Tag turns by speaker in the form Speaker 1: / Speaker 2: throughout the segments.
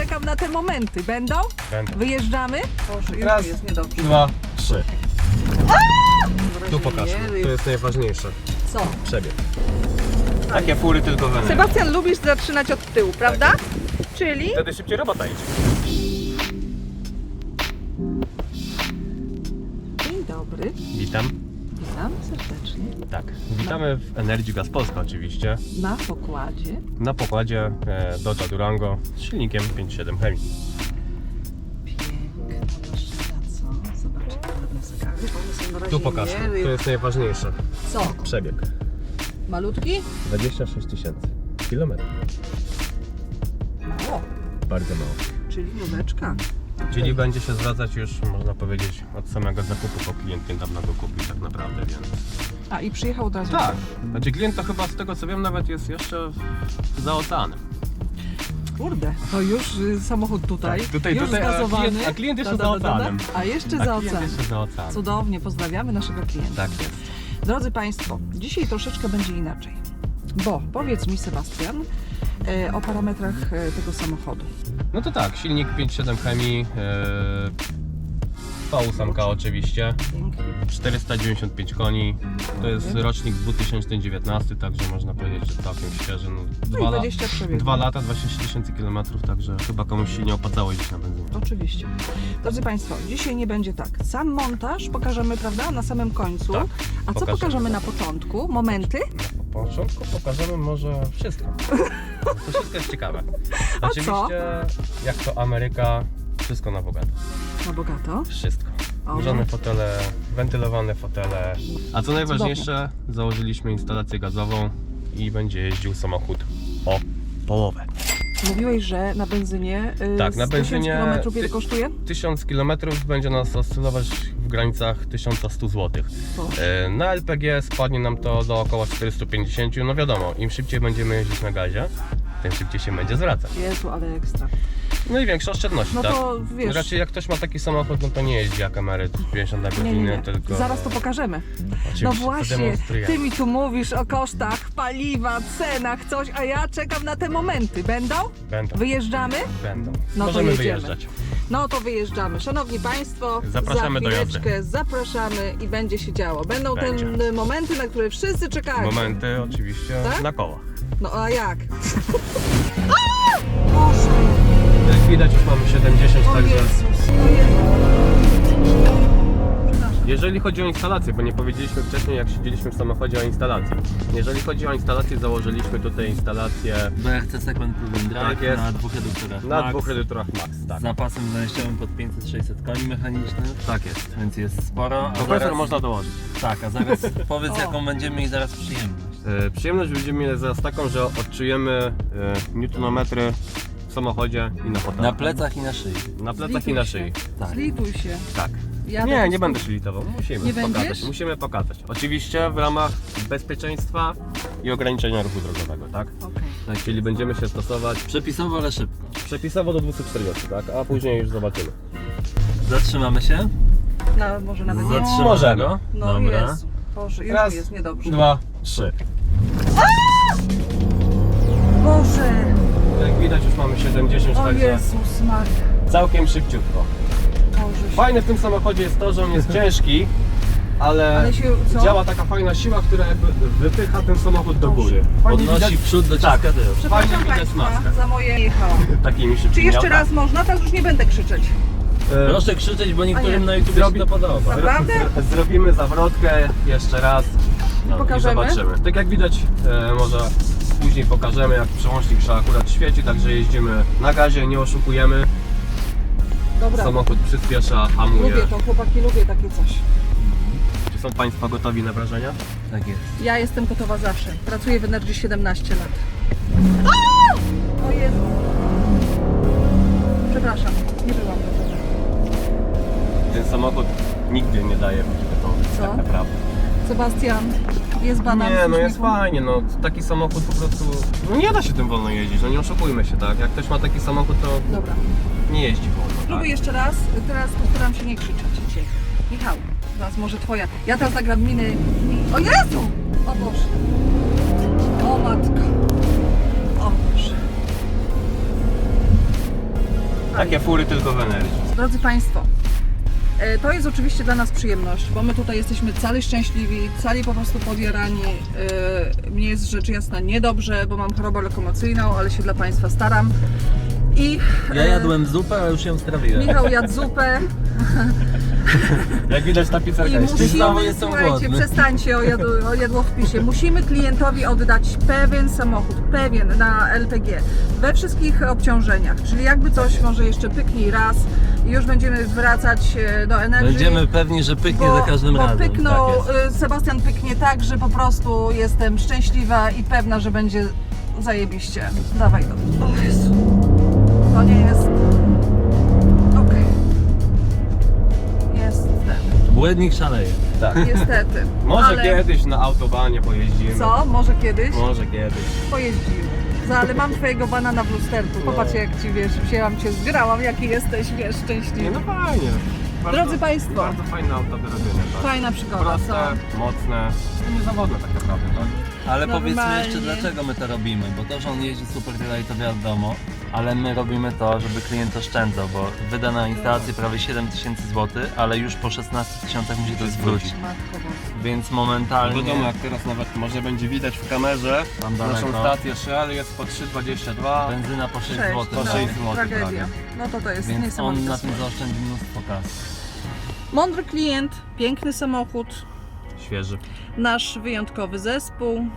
Speaker 1: czekam na te momenty. Będą?
Speaker 2: Będą.
Speaker 1: Wyjeżdżamy? Boże, już
Speaker 2: Raz,
Speaker 1: jest niedobrze.
Speaker 2: 2, 3. Tu pokaż, to jest najważniejsze.
Speaker 1: Co?
Speaker 2: Przebieg. Takie fury tylko we mnie.
Speaker 1: Sebastian, lubisz zaczynać od tyłu, prawda? Czyli?
Speaker 2: Wtedy szybciej robota idzie.
Speaker 1: Dzień dobry.
Speaker 2: Witam.
Speaker 1: Witam serdecznie.
Speaker 2: Tak, witamy w Energii Gaz Polska oczywiście.
Speaker 1: Na pokładzie.
Speaker 2: Na pokładzie Dodge Durango z silnikiem 5.7 Hemi.
Speaker 1: Piękna maszyna, co? Zobaczcie, ładne zegary. One są na razie
Speaker 2: Tu pokaż,
Speaker 1: nie...
Speaker 2: to jest najważniejsze.
Speaker 1: Co?
Speaker 2: Przebieg.
Speaker 1: Malutki?
Speaker 2: 26 000 kilometrów.
Speaker 1: Mało.
Speaker 2: Bardzo mało.
Speaker 1: Czyli nóweczka.
Speaker 2: Czyli będzie się zwracać już, można powiedzieć, od samego zakupu, bo klient niedawno go kupił tak naprawdę, więc...
Speaker 1: A i przyjechał od razu.
Speaker 2: Tak, znaczy klient to chyba z tego co wiem nawet jest jeszcze za oceanem.
Speaker 1: Kurde, to już samochód tutaj,
Speaker 2: Tak, tutaj,
Speaker 1: już zgazowany.
Speaker 2: a klient jeszcze za oceanem.
Speaker 1: A jeszcze
Speaker 2: A
Speaker 1: za
Speaker 2: klient
Speaker 1: oceanem.
Speaker 2: jeszcze za oceanem.
Speaker 1: Cudownie, pozdrawiamy naszego klienta.
Speaker 2: Tak jest.
Speaker 1: Drodzy Państwo, dzisiaj troszeczkę będzie inaczej. Bo powiedz mi, Sebastian, o parametrach tego samochodu.
Speaker 2: No to tak, silnik 5.7 Hemi, V8 oczywiście,
Speaker 1: Pięknie.
Speaker 2: 495 koni, to jest rocznik 2019, także można powiedzieć, że całkiem świeży.
Speaker 1: No i 20 przebiegów.
Speaker 2: 2 lata, 26 000 kilometrów, także chyba komuś się nie opłacało jeździć na benzynie.
Speaker 1: Oczywiście. Drodzy Państwo, dzisiaj nie będzie tak. Sam montaż pokażemy, prawda, na samym końcu.
Speaker 2: Tak,
Speaker 1: A co pokażemy na początku? Momenty?
Speaker 2: Na początku pokażemy może wszystko. To wszystko jest ciekawe.
Speaker 1: A
Speaker 2: Oczywiście, jak to Ameryka, wszystko na bogato.
Speaker 1: Na bogato.
Speaker 2: Wszystko.
Speaker 1: O,
Speaker 2: Grzane
Speaker 1: no.
Speaker 2: fotele, wentylowane fotele. A co najważniejsze, założyliśmy instalację gazową i będzie jeździł samochód o połowę.
Speaker 1: Mówiłeś, że na benzynie
Speaker 2: Tak, na benzynie
Speaker 1: 1000 km ile kosztuje?
Speaker 2: 1000 km będzie nas oscylować w granicach 1100 zł.
Speaker 1: To.
Speaker 2: Na LPG spadnie nam to do około 450. No wiadomo, im szybciej będziemy jeździć na gazie, tym szybciej się będzie zwracać.
Speaker 1: Jezu, ale ekstra.
Speaker 2: No i większe oszczędności,
Speaker 1: No
Speaker 2: tak?
Speaker 1: to wiesz...
Speaker 2: Raczej jak ktoś ma taki samochód, no to nie jeździ jak emeryt 50 na godzinę,
Speaker 1: Nie.
Speaker 2: tylko...
Speaker 1: Zaraz to pokażemy.
Speaker 2: Oczywiście,
Speaker 1: No
Speaker 2: to
Speaker 1: właśnie,
Speaker 2: demonstrujemy.
Speaker 1: ty mi tu mówisz o kosztach paliwa, cenach, coś, a ja czekam na te momenty. Będą?
Speaker 2: Będą.
Speaker 1: Wyjeżdżamy?
Speaker 2: Będą.
Speaker 1: No to
Speaker 2: Możemy
Speaker 1: jedziemy.
Speaker 2: wyjeżdżać.
Speaker 1: No to wyjeżdżamy. Szanowni Państwo,
Speaker 2: Zapraszamy
Speaker 1: za
Speaker 2: do jazdy.
Speaker 1: chwileczkę zapraszamy i będzie się działo. Będą
Speaker 2: Będzie.
Speaker 1: te momenty, na które wszyscy czekają.
Speaker 2: Momenty oczywiście
Speaker 1: Tak?
Speaker 2: na kołach.
Speaker 1: No a jak? Boże,
Speaker 2: Jak widać już mamy 70,
Speaker 1: o
Speaker 2: także...
Speaker 1: Jezus, o Jezus. Przepraszam.
Speaker 2: Jeżeli chodzi o instalację, bo nie powiedzieliśmy wcześniej jak siedzieliśmy w samochodzie o instalacji. Jeżeli chodzi o instalację, założyliśmy tutaj instalację
Speaker 3: BRC Segment Proven Drive
Speaker 2: Tak jest.
Speaker 3: na 2 reduktorach
Speaker 2: na
Speaker 3: Max,
Speaker 2: 2 edytorach Max, tak.
Speaker 3: z zapasem zajściowym pod 500-600 koni mechanicznych,
Speaker 2: Tak jest.
Speaker 3: więc jest sporo. A
Speaker 2: Kompresor
Speaker 3: zaraz,
Speaker 2: można dołożyć.
Speaker 3: Tak, a zaraz powiedz
Speaker 1: O.
Speaker 3: jaką będziemy mieli zaraz przyjemność.
Speaker 2: Przyjemność będziemy mieli zaraz taką, że odczujemy newtonometry w samochodzie i na fotelu.
Speaker 3: Na plecach i na szyi.
Speaker 2: Na plecach
Speaker 1: Zlituj
Speaker 2: i na
Speaker 1: się.
Speaker 2: szyi.
Speaker 3: Tak.
Speaker 1: Zlituj się.
Speaker 2: Tak.
Speaker 1: Jadę
Speaker 2: Nie,
Speaker 1: po
Speaker 2: nie
Speaker 1: prostu-
Speaker 2: będę się litował. Musimy
Speaker 1: Nie
Speaker 2: pokazać.
Speaker 1: będziesz?
Speaker 2: Musimy pokazać. Oczywiście w ramach bezpieczeństwa i ograniczenia ruchu drogowego, tak?
Speaker 1: Okej.
Speaker 2: Tak, czyli będziemy się stosować
Speaker 3: Przepisowo, ale szybko.
Speaker 2: przepisowo do 240, tak? A później już zobaczymy.
Speaker 3: Zatrzymamy się.
Speaker 1: No, może nawet nie.
Speaker 3: Zatrzymamy
Speaker 2: Możemy.
Speaker 3: go.
Speaker 1: No
Speaker 3: Dobra.
Speaker 1: Jezu. Boże, już
Speaker 2: Raz,
Speaker 1: jest niedobrze.
Speaker 2: 2, 3.
Speaker 1: Boże,
Speaker 2: Jak widać już mamy 70,
Speaker 1: o
Speaker 2: także
Speaker 1: Jezus Maria.
Speaker 2: całkiem szybciutko.
Speaker 1: Boże,
Speaker 2: Fajne w tym samochodzie jest to, że on jest ciężki, ale
Speaker 1: Ale się, co?
Speaker 2: działa taka fajna siła, która jakby wypycha ten samochód do góry. Fajnie
Speaker 3: Podnosi
Speaker 2: widać
Speaker 3: w przód, dociska
Speaker 2: Tak.
Speaker 3: tył.
Speaker 1: Przepraszam
Speaker 2: fajnie widać
Speaker 1: Państwa
Speaker 2: maskę.
Speaker 1: za moje jechałam.
Speaker 2: takimi szybkimi
Speaker 1: Czy jeszcze
Speaker 2: autami.
Speaker 1: raz można? Teraz już nie będę krzyczeć.
Speaker 3: Proszę krzyczeć, bo
Speaker 1: A nie.
Speaker 3: niektórym na YouTube
Speaker 2: Zrobi-
Speaker 3: się to podoba.
Speaker 1: Naprawdę?
Speaker 2: Zrobimy zawrotkę jeszcze raz i
Speaker 1: Pokażemy?
Speaker 2: zobaczymy. Tak jak widać, może później pokażemy, jak przełącznik się akurat świeci, także jeździmy na gazie, nie oszukujemy.
Speaker 1: Dobra,
Speaker 2: Samochód przyspiesza, hamuje.
Speaker 1: lubię to, chłopaki, lubię takie coś.
Speaker 2: Czy są Państwo gotowi na wrażenia?
Speaker 3: Tak jest.
Speaker 1: Ja jestem gotowa zawsze. Pracuję w Energii 17 lat. O Jezu. Przepraszam, nie byłam gotowa.
Speaker 2: Ten samochód nigdy nie daje być gotowy,
Speaker 1: Co?
Speaker 2: tak naprawdę.
Speaker 1: Sebastian, jest banan w
Speaker 2: Nie, no jest
Speaker 1: uśmiechu?
Speaker 2: fajnie, no taki samochód po prostu, no nie da się tym wolno jeździć, no nie oszukujmy się, tak? Jak ktoś ma taki samochód, to
Speaker 1: Dobra.
Speaker 2: nie jeździ wolno,
Speaker 1: Spróbuj
Speaker 2: tak?
Speaker 1: jeszcze raz. Teraz postaram się nie krzyczeć dzisiaj. Michał, teraz może twoja. Ja teraz nagram miny. O Jezu! O Boże. O matko. O Boże.
Speaker 2: Takie fury tylko w energii.
Speaker 1: Drodzy Państwo, to jest oczywiście dla nas przyjemność, bo my tutaj jesteśmy cali szczęśliwi, cali po prostu podjarani. Mnie jest rzecz jasna niedobrze, bo mam chorobę lokomocyjną, ale się dla Państwa staram. I
Speaker 3: Ja jadłem zupę, a już ją strawiłem.
Speaker 1: Michał jadł zupę
Speaker 2: Jak widać ta
Speaker 1: i
Speaker 2: pizzerka jest
Speaker 1: musimy,
Speaker 3: znowu jestem
Speaker 1: słuchajcie,
Speaker 3: głodny.
Speaker 1: przestańcie o jadłowpisie. Musimy klientowi oddać pewien samochód, pewien na LPG, we wszystkich obciążeniach, czyli jakby coś może jeszcze pyknij raz i już będziemy wracać do energii.
Speaker 3: Będziemy pewni, że pyknie za każdym razem.
Speaker 1: Pyknął,
Speaker 3: Tak jest.
Speaker 1: Sebastian pyknie tak, że po prostu jestem szczęśliwa i pewna, że będzie zajebiście. Dawaj go. O Jezu. To nie jest... Okej. Jest ten.
Speaker 3: Błędnik szaleje.
Speaker 2: Tak.
Speaker 1: Niestety.
Speaker 2: Może
Speaker 1: Ale...
Speaker 2: kiedyś na autobanie pojeździmy.
Speaker 1: Co? Może kiedyś?
Speaker 2: Może kiedyś.
Speaker 1: Pojeździmy. Ale mam twojego banana w lusterku. Popatrz jak ci, wiesz, wzięłam cię, zgrałam, jaki jesteś, wiesz,
Speaker 2: Nie,
Speaker 1: szczęśliwy.
Speaker 2: no fajnie.
Speaker 1: Drodzy Państwo.
Speaker 2: Bardzo fajne auto do robienia, tak?
Speaker 1: Fajna przygoda,
Speaker 2: Proste,
Speaker 1: co?
Speaker 2: mocne, niezawodne tak naprawdę, tak?
Speaker 3: Ale powiedzmy
Speaker 1: Normalnie.
Speaker 3: jeszcze, dlaczego my to robimy, bo to, że on jeździ super tyle i to wiadomo, ale my robimy to, żeby klient oszczędzał, bo wyda na instalację prawie 7000 zł, ale już po 16 tysiącach musi to zwrócić.
Speaker 1: Matko Boska.
Speaker 3: Więc
Speaker 2: No
Speaker 3: momentalnie
Speaker 2: wiadomo, jak teraz nawet może będzie widać w kamerze,
Speaker 3: tam
Speaker 2: naszą
Speaker 3: daleko,
Speaker 2: stację Shell jest po 3,22.
Speaker 3: benzyna po 6
Speaker 1: Sześć,
Speaker 3: zł.
Speaker 2: po
Speaker 1: no,
Speaker 2: 6 zł
Speaker 1: tragedia.
Speaker 2: prawie.
Speaker 1: No to jest
Speaker 3: Więc on
Speaker 1: niesamowite.
Speaker 3: na tym
Speaker 1: słowo.
Speaker 3: zaoszczędzi mnóstwo kasy.
Speaker 1: Mądry klient, piękny samochód,
Speaker 2: Świeży.
Speaker 1: nasz wyjątkowy zespół.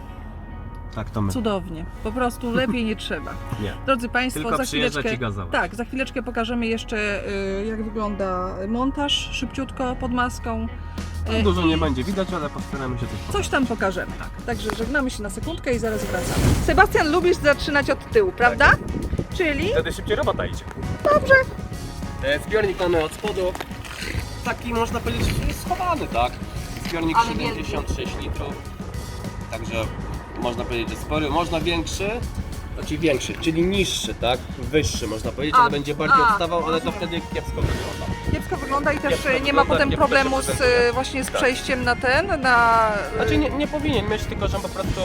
Speaker 2: Tak to my.
Speaker 1: Cudownie. Po prostu lepiej nie trzeba.
Speaker 2: Nie.
Speaker 1: Drodzy Państwo,
Speaker 2: Tylko
Speaker 1: za
Speaker 2: przyjeżdżać
Speaker 1: chwileczkę,
Speaker 2: i gazować.
Speaker 1: tak, za chwileczkę pokażemy jeszcze jak wygląda montaż szybciutko pod maską.
Speaker 2: No, dużo nie będzie widać, ale postaramy się coś
Speaker 1: Coś
Speaker 2: pokazać.
Speaker 1: tam pokażemy. Także żegnamy się na sekundkę i zaraz wracamy. Sebastian, lubisz zaczynać od tyłu, prawda? Czyli
Speaker 2: Wtedy szybciej robota idzie.
Speaker 1: dobrze.
Speaker 2: Zbiornik mamy od spodu. Taki można powiedzieć schowany, tak? Zbiornik
Speaker 1: Ale
Speaker 2: 76 litrów. Także można powiedzieć, że spory. Można większy, znaczy większy, czyli niższy, tak? Wyższy można powiedzieć, ale będzie bardziej odstawał, ale to wtedy kiepsko wygląda.
Speaker 1: Kiepsko wygląda i też
Speaker 2: Kiepsko
Speaker 1: nie ma
Speaker 2: wygląda,
Speaker 1: potem
Speaker 2: kiepsko
Speaker 1: problemu
Speaker 2: się
Speaker 1: z,
Speaker 2: prezentuje.
Speaker 1: właśnie z
Speaker 2: Tak.
Speaker 1: przejściem na ten, na...
Speaker 2: Znaczy nie powinien mieć, tylko że po prostu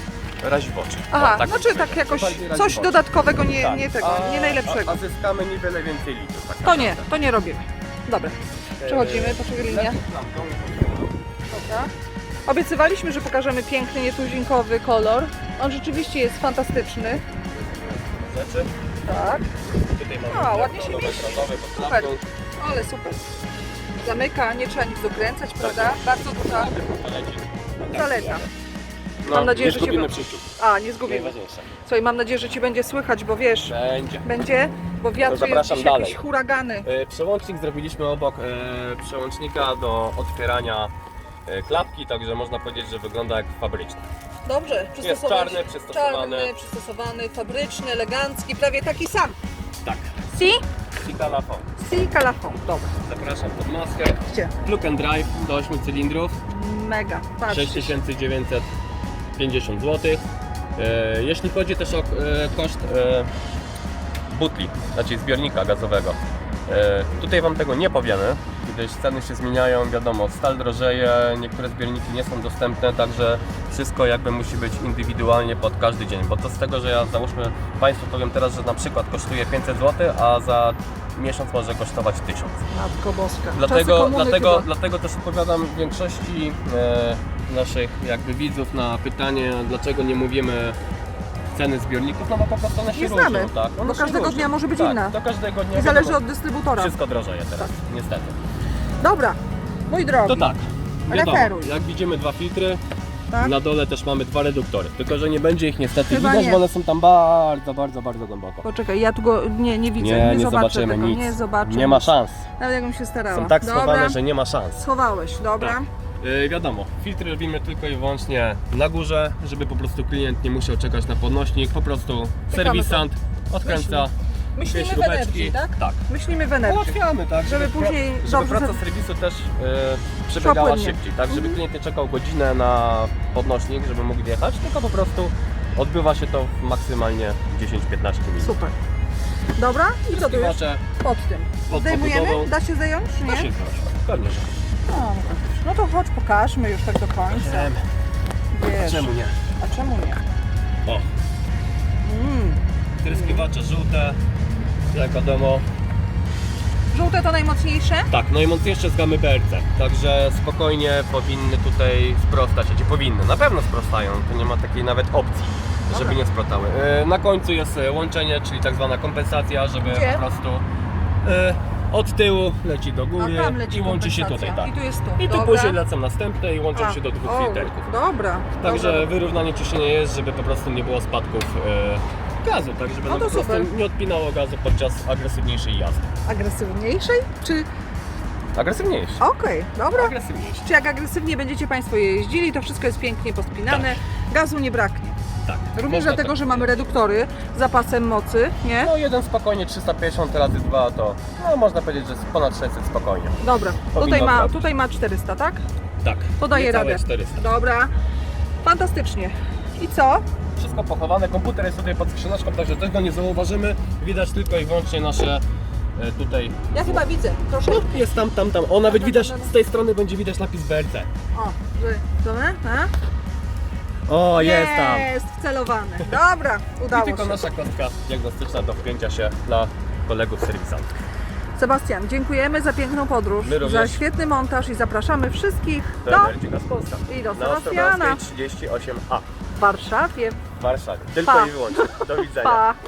Speaker 2: razi w oczy.
Speaker 1: Aha,
Speaker 2: O, tak
Speaker 1: znaczy
Speaker 2: bym
Speaker 1: tak
Speaker 2: powiedział.
Speaker 1: jakoś
Speaker 2: Bardziej razi
Speaker 1: coś
Speaker 2: w oczy.
Speaker 1: dodatkowego, nie,
Speaker 2: Tak.
Speaker 1: nie tego, nie najlepszego.
Speaker 2: A zyskamy niewiele więcej litrów. Tak
Speaker 1: To nie,
Speaker 2: naprawdę.
Speaker 1: to nie robimy. Dobra, przechodzimy, poczekaj linia.
Speaker 2: Lepiej lampką.
Speaker 1: Dobra. Obiecywaliśmy, że pokażemy piękny, nietuzinkowy kolor. On rzeczywiście jest fantastyczny.
Speaker 2: Rzeczy.
Speaker 1: Tak,
Speaker 2: Tutaj mamy
Speaker 1: A, ładnie się
Speaker 2: nowe
Speaker 1: mieści.
Speaker 2: krodowe pod
Speaker 1: Super.
Speaker 2: lampką.
Speaker 1: ale super. Zamyka, nie trzeba nic dokręcać, prawda? Bardzo duża zaleta.
Speaker 2: No,
Speaker 1: Mam nadzieję,
Speaker 2: nie
Speaker 1: że się
Speaker 2: zgubimy
Speaker 1: wy-
Speaker 2: przyjściu.
Speaker 1: A, nie zgubimy.
Speaker 2: Najważniejsze.
Speaker 1: Słuchaj, mam nadzieję, że Ci będzie słychać, bo wiesz,
Speaker 2: Będzie.
Speaker 1: będzie, bo wiatr jest
Speaker 2: zapraszam
Speaker 1: dziś
Speaker 2: dalej.
Speaker 1: jakieś huragany.
Speaker 2: Przełącznik zrobiliśmy obok przełącznika do otwierania klapki, także można powiedzieć, że wygląda jak fabryczny.
Speaker 1: Dobrze,
Speaker 2: Jest czarny, przystosowany.
Speaker 1: Czarny, przystosowany, fabryczny, elegancki, prawie taki sam.
Speaker 2: Tak.
Speaker 1: Si?
Speaker 2: I kalafon.
Speaker 1: Si calafon. Dobra,
Speaker 2: Zapraszam pod maskę.
Speaker 1: gdzie?
Speaker 2: Plug and drive do 8 cylindrów.
Speaker 1: Mega, patrz.
Speaker 2: 6950 zł. Jeśli chodzi też o koszt butli, znaczy zbiornika gazowego, tutaj Wam tego nie powiemy, gdyż ceny się zmieniają, wiadomo, stal drożeje, niektóre zbiorniki nie są dostępne, także wszystko jakby musi być indywidualnie pod każdy dzień, bo to z tego, że ja załóżmy Państwu powiem teraz, że na przykład kosztuje 500 zł, a za miesiąc może kosztować 1000.
Speaker 1: Matko Boska. Czasy
Speaker 2: Dlatego,
Speaker 1: komuny chyba.
Speaker 2: dlatego też odpowiadam większości naszych jakby widzów na pytanie, dlaczego nie mówimy ceny zbiorników, no bo po prostu one się
Speaker 1: Nie
Speaker 2: różnią,
Speaker 1: znamy,
Speaker 2: tak?
Speaker 1: bo
Speaker 2: One się
Speaker 1: każdego
Speaker 2: różnią.
Speaker 1: dnia może być
Speaker 2: tak,
Speaker 1: inna.
Speaker 2: Do każdego dnia
Speaker 1: I zależy
Speaker 2: wiadomo,
Speaker 1: od dystrybutora.
Speaker 2: wszystko drożeje teraz, niestety.
Speaker 1: Dobra, mój drogi.
Speaker 2: To tak, wiadomo,
Speaker 1: Referuj.
Speaker 2: jak widzimy 2 filtry,
Speaker 1: Tak?
Speaker 2: na dole też mamy 2 reduktory, tylko że nie będzie ich niestety
Speaker 1: Chyba
Speaker 2: widać,
Speaker 1: nie.
Speaker 2: bo one są tam bardzo, bardzo, bardzo głęboko.
Speaker 1: Poczekaj, ja tu go nie widzę,
Speaker 2: Nie
Speaker 1: zobaczę
Speaker 2: zobaczymy
Speaker 1: tego,
Speaker 2: nic,
Speaker 1: nie zobaczę.
Speaker 2: nie ma
Speaker 1: nic.
Speaker 2: szans.
Speaker 1: Nawet jakbym się starała.
Speaker 2: Są tak
Speaker 1: Dobra,
Speaker 2: schowane, że nie ma szans.
Speaker 1: schowałeś, dobra.
Speaker 2: Tak. Wiadomo, filtry robimy tylko i wyłącznie na górze, żeby po prostu klient nie musiał czekać na podnośnik, po prostu serwisant odkręca
Speaker 1: Myślimy w
Speaker 2: śrubeczki.
Speaker 1: energii, tak?
Speaker 2: Tak.
Speaker 1: Myślimy w energii.
Speaker 2: Ułatwiamy, tak,
Speaker 1: Żeby później
Speaker 2: żeby
Speaker 1: dobrze
Speaker 2: praca
Speaker 1: za-
Speaker 2: serwisu też przebiegała
Speaker 1: płynnie.
Speaker 2: szybciej, tak, żeby klient nie czekał godzinę na podnośnik, żeby mógł wjechać, tylko po prostu odbywa się to w maksymalnie 10-15 minut.
Speaker 1: Super. Dobra, i co tu już?
Speaker 2: Zbywacze
Speaker 1: Pod tym.
Speaker 2: pod
Speaker 1: Zdejmujemy?
Speaker 2: obudową.
Speaker 1: Da się zdjąć, czy
Speaker 2: Da się
Speaker 1: nie?
Speaker 2: zrobić. Pewnie, że.
Speaker 1: No to chodź, pokażmy już tak do końca. Wiesz.
Speaker 2: Czemu nie?
Speaker 1: A czemu nie?
Speaker 2: O,
Speaker 1: Mm.
Speaker 2: tryskiwacze żółte, jak wiadomo,
Speaker 1: Żółte to najmocniejsze?
Speaker 2: Tak, najmocniejsze z gamy BRC, także spokojnie powinny tutaj sprostać, znaczy powinny, na pewno sprostają, tu nie ma takiej nawet opcji, żeby
Speaker 1: Dobra.
Speaker 2: nie sprostały. Na końcu jest łączenie, czyli tak zwana kompensacja, żeby
Speaker 1: Gdzie?
Speaker 2: po prostu od tyłu leci do góry
Speaker 1: A tam leci
Speaker 2: i łączy się tutaj,
Speaker 1: kompensacja.
Speaker 2: tak.
Speaker 1: I tu jest tu.
Speaker 2: I tu
Speaker 1: Dobra.
Speaker 2: później lecą następne i łączą
Speaker 1: A,
Speaker 2: się do dwóch
Speaker 1: o,
Speaker 2: filterków.
Speaker 1: Dobra.
Speaker 2: Także
Speaker 1: dobra.
Speaker 2: wyrównanie ciśnienia jest, żeby po prostu nie było spadków gazu, tak żeby
Speaker 1: No
Speaker 2: nam
Speaker 1: to
Speaker 2: po prostu
Speaker 1: super.
Speaker 2: nie odpinało gazu podczas agresywniejszej jazdy.
Speaker 1: Agresywniejszej? Czy...
Speaker 2: Agresywniejszy.
Speaker 1: Okej, dobra.
Speaker 2: Agresywniejszy.
Speaker 1: Czy jak agresywnie będziecie Państwo jeździli, to wszystko jest pięknie pospinane, gazu nie braknie.
Speaker 2: Tak.
Speaker 1: Również
Speaker 2: można
Speaker 1: dlatego,
Speaker 2: tak.
Speaker 1: że mamy reduktory z zapasem mocy, nie?
Speaker 2: No jeden spokojnie 350 razy 2 to no, można powiedzieć, że jest ponad 600 spokojnie.
Speaker 1: Dobra,
Speaker 2: Powinno trafić.
Speaker 1: tutaj ma 400, tak?
Speaker 2: Tak.
Speaker 1: To daje
Speaker 2: niecałe
Speaker 1: radę.
Speaker 2: 400.
Speaker 1: Dobra, fantastycznie. I co?
Speaker 2: Wszystko pochowane, komputer jest tutaj pod skrzyneczką, także tego nie zauważymy. Widać tylko i wyłącznie nasze tutaj.
Speaker 1: Ja chyba widzę, proszę.
Speaker 2: No, jest tam. O, nawet
Speaker 1: Tam,
Speaker 2: widać,
Speaker 1: tam.
Speaker 2: z tej strony będzie widać napis BRC.
Speaker 1: O, że, dobra, a?
Speaker 2: O, jest tam.
Speaker 1: Jest wcelowany. Dobra,
Speaker 2: I
Speaker 1: udało
Speaker 2: tylko
Speaker 1: się.
Speaker 2: nasza kostka diagnostyczna do wpięcia się dla kolegów serwisantów.
Speaker 1: Sebastian, dziękujemy za piękną podróż,
Speaker 2: My również.
Speaker 1: za świetny montaż i zapraszamy wszystkich
Speaker 2: Do
Speaker 1: do
Speaker 2: Energy Gas Polska.
Speaker 1: i do
Speaker 2: Na
Speaker 1: Sebastiana
Speaker 2: Ostrowskiej 38A
Speaker 1: w Warszawie.
Speaker 2: w Warszawie. Tylko
Speaker 1: Pa.
Speaker 2: i wyłącznie. Do widzenia.
Speaker 1: Pa!